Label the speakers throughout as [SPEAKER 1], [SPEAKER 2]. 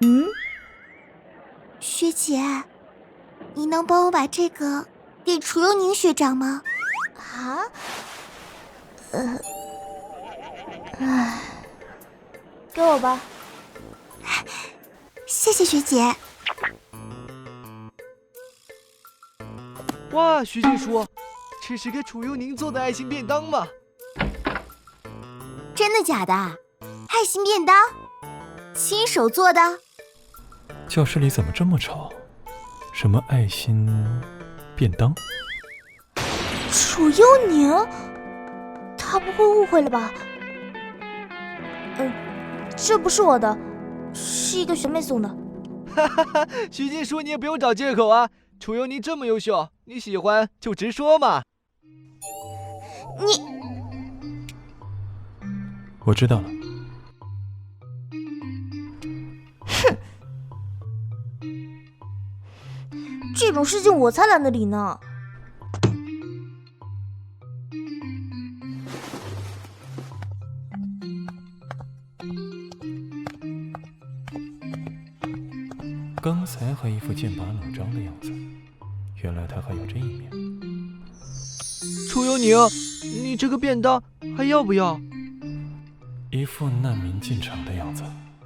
[SPEAKER 1] 嗯，
[SPEAKER 2] 学姐，你能帮我把这个给楚幽宁学长吗？
[SPEAKER 1] 啊？给我吧。
[SPEAKER 2] 谢谢学姐。
[SPEAKER 3] 哇，徐静书，这是给楚幽宁做的爱心便当吗？
[SPEAKER 2] 真的假的？爱心便当？亲手做的？
[SPEAKER 4] 教室里怎么这么吵？什么爱心便当？
[SPEAKER 1] 楚幽宁，他不会误会了吧？这不是我的，是一个学妹送的。
[SPEAKER 3] 哈哈哈，徐静书，你也不用找借口啊！楚幽宁这么优秀，你喜欢就直说嘛。
[SPEAKER 4] 我知道了。
[SPEAKER 1] 哼，这种事情我才懒得理呢。
[SPEAKER 4] 刚才还一副剑拔弩张的样子，原来他还有这一面。
[SPEAKER 3] 楚幽宁，你这个便当还要不要？
[SPEAKER 4] 一副难民进城的样子。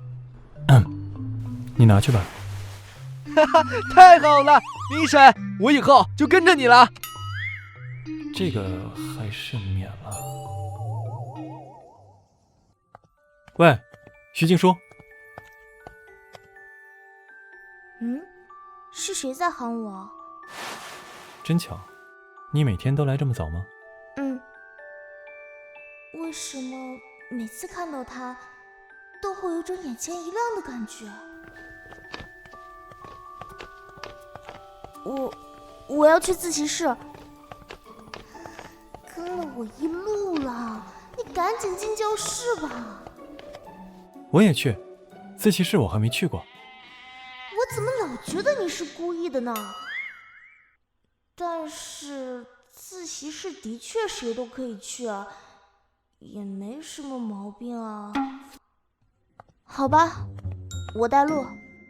[SPEAKER 4] 你拿去吧。
[SPEAKER 3] 哈哈，太好了，明婶，我以后就跟着你了。
[SPEAKER 4] 这个还是免了。喂，徐静书。
[SPEAKER 1] 是谁在喊我？
[SPEAKER 4] 真巧，你每天都来这么早吗？
[SPEAKER 1] 为什么每次看到他，都会有种眼前一亮的感觉？我要去自习室，跟了我一路了，你赶紧进教室吧。
[SPEAKER 4] 我也去，自习室我还没去过。
[SPEAKER 1] 我怎么老觉得你是故意的呢？但是自习室的确谁都可以去啊，也没什么毛病啊。好吧，我带路。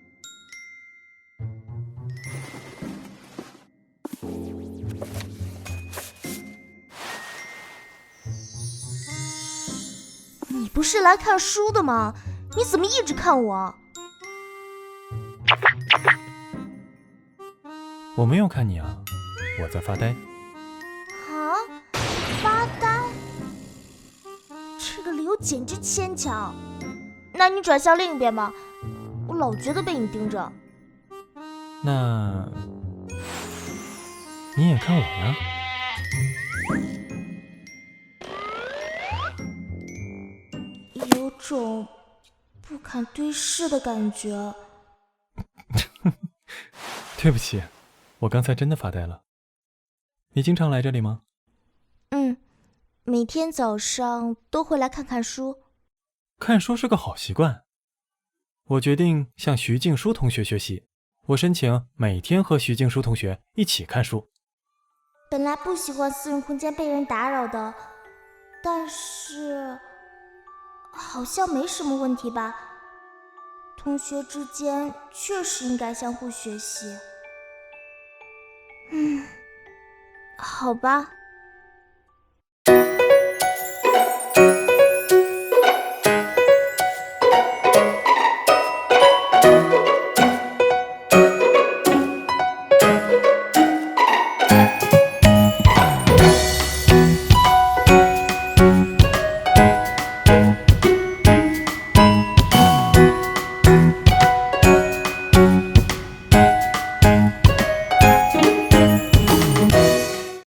[SPEAKER 1] 你不是来看书的吗？你怎么一直看我？
[SPEAKER 4] 我没有看你啊，我在发呆。
[SPEAKER 1] 啊？发呆？这个理由简直牵强。那你转向另一边吧，我老觉得被你盯着。
[SPEAKER 4] 那你也看我呀？
[SPEAKER 1] 有种不敢对视的感觉。
[SPEAKER 4] 对不起，我刚才真的发呆了。你经常来这里吗？
[SPEAKER 1] 每天早上都会来看看书。
[SPEAKER 4] 看书是个好习惯。我决定向徐静书同学学习，我申请每天和徐静书同学一起看书。
[SPEAKER 1] 本来不喜欢私人空间被人打扰的，但是好像没什么问题吧？同学之间确实应该相互学习。好吧。